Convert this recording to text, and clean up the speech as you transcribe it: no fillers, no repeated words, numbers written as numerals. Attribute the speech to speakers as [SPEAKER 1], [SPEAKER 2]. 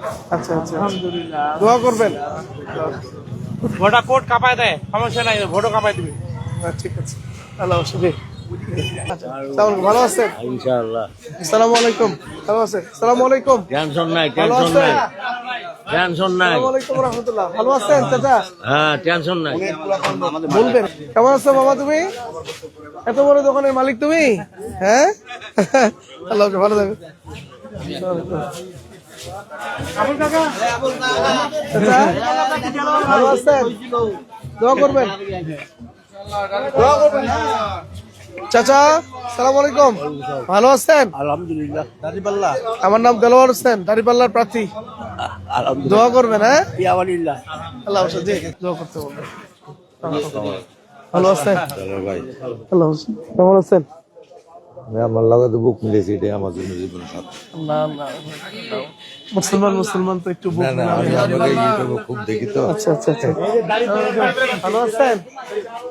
[SPEAKER 1] আচ্ছা আচ্ছা আলহামদুলিল্লাহ, দোয়া করবেন।
[SPEAKER 2] ভোটা কোট কাঁপায় দেয়, সমস্যা নাই, ভোটও কাঁপায় দিবে।
[SPEAKER 1] ঠিক আছে, আল্লাহ হাফেজ। আচ্ছা, ভালো আছেন?
[SPEAKER 3] ইনশাআল্লাহ।
[SPEAKER 1] আসসালামু আলাইকুম। ভালো আছেন? আসসালামু আলাইকুম।
[SPEAKER 3] টেনশন নাই,
[SPEAKER 1] ভালো
[SPEAKER 3] টেনশন
[SPEAKER 1] আছেন?
[SPEAKER 3] নাই, টেনশন নাই।
[SPEAKER 1] আসসালামু আলাইকুম রাহমাতুল্লাহ। ভালো আছেন চাচা?
[SPEAKER 3] হ্যাঁ, টেনশন নাই।
[SPEAKER 1] বলবেন কেমন আছো বাবা? তুমি এত বড় দোকানের মালিক তুমি? হ্যাঁ, আল্লাহ হাফেজ, ভালো থাকো। চাচা ভালো আছেন? দোয়া করবেন, দোয়া করবেন। চাচা সালাম আলাইকুম, ভালো আছেন?
[SPEAKER 3] আলহামদুলিল্লাহ। দাড়িপাল্লা।
[SPEAKER 1] আমার নাম দেলোয়ার হোসেন, দাঁড়িপাল্লার প্রার্থী। দোয়া করবেন। হ্যাঁ,
[SPEAKER 3] ইয়াওয়ালিল্লাহ।
[SPEAKER 1] আল্লাহ হাফেজ। জি, দোয়া করতে বলবেন। ভালো আছেন?
[SPEAKER 3] ভাই,
[SPEAKER 1] আল্লাহ হাফেজ। কেমন আছেন?
[SPEAKER 3] আমার লাগে তো বুক মিলেছে, এটাই আমার জন্য জীবন সাথী।
[SPEAKER 1] না না, মুসলমান তো একটু বুক
[SPEAKER 3] না, আমি আপনাকে ইউটিউবে খুব দেখি তো।
[SPEAKER 1] আচ্ছা আচ্ছা আচ্ছা, ভালো আছেন?